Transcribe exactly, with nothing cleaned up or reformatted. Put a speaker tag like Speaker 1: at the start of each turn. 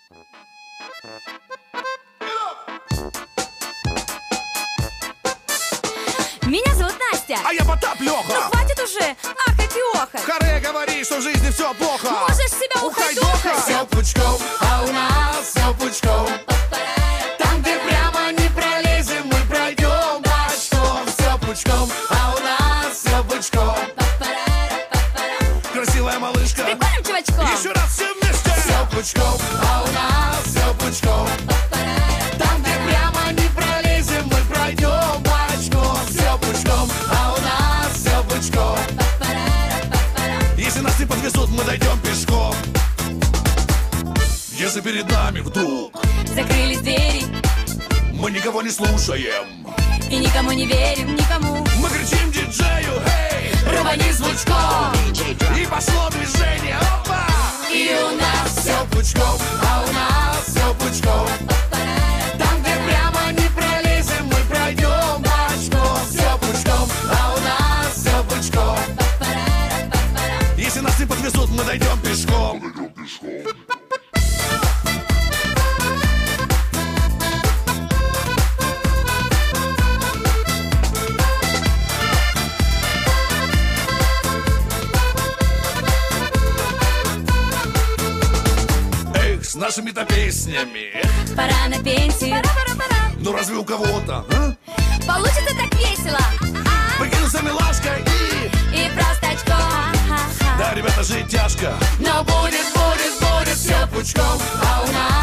Speaker 1: Меня зовут Настя.
Speaker 2: А я Потап Лёха.
Speaker 1: Ну хватит уже ахать и охать.
Speaker 2: Харе говори, что в жизни все плохо.
Speaker 1: Можешь себя ухайдохать.
Speaker 2: Все пучком, а у нас все пучком. Там, где прямо не пролезем, мы пройдем бочком. Все пучком, а у нас все пучком. Красивая малышка.
Speaker 1: Прикольным чувачком.
Speaker 2: Еще раз все вместе. Все пучком, а у нас все пучком. Там, где прямо не пролезем, мы пройдем бочком. Все пучком, а у нас все пучком. Если нас не подвезут, мы дойдем пешком. Если перед нами вдруг
Speaker 1: закрылись двери,
Speaker 2: мы никого не слушаем
Speaker 1: и никому не верим, никому.
Speaker 2: Мы кричим диджею: эй,
Speaker 1: рвани звучком.
Speaker 2: И пошло движение, опа!
Speaker 1: И у нас
Speaker 2: все пучком, а у нас все пучком. Там, где прямо не пролезем, мы пройдем бочком. Все пучком, а у нас все пучком. Если нас не подвезут, мы дойдем пешком. С нашими-то песнями
Speaker 1: пора на пенсию. Пора, пора, пора.
Speaker 2: Ну разве у кого-то, а?
Speaker 1: Получится так весело.
Speaker 2: Прикинуться милашкой и
Speaker 1: И простачком.
Speaker 2: Да, ребята, жить тяжко,
Speaker 1: Но будет, будет, будет все
Speaker 2: пучком,
Speaker 1: а у нас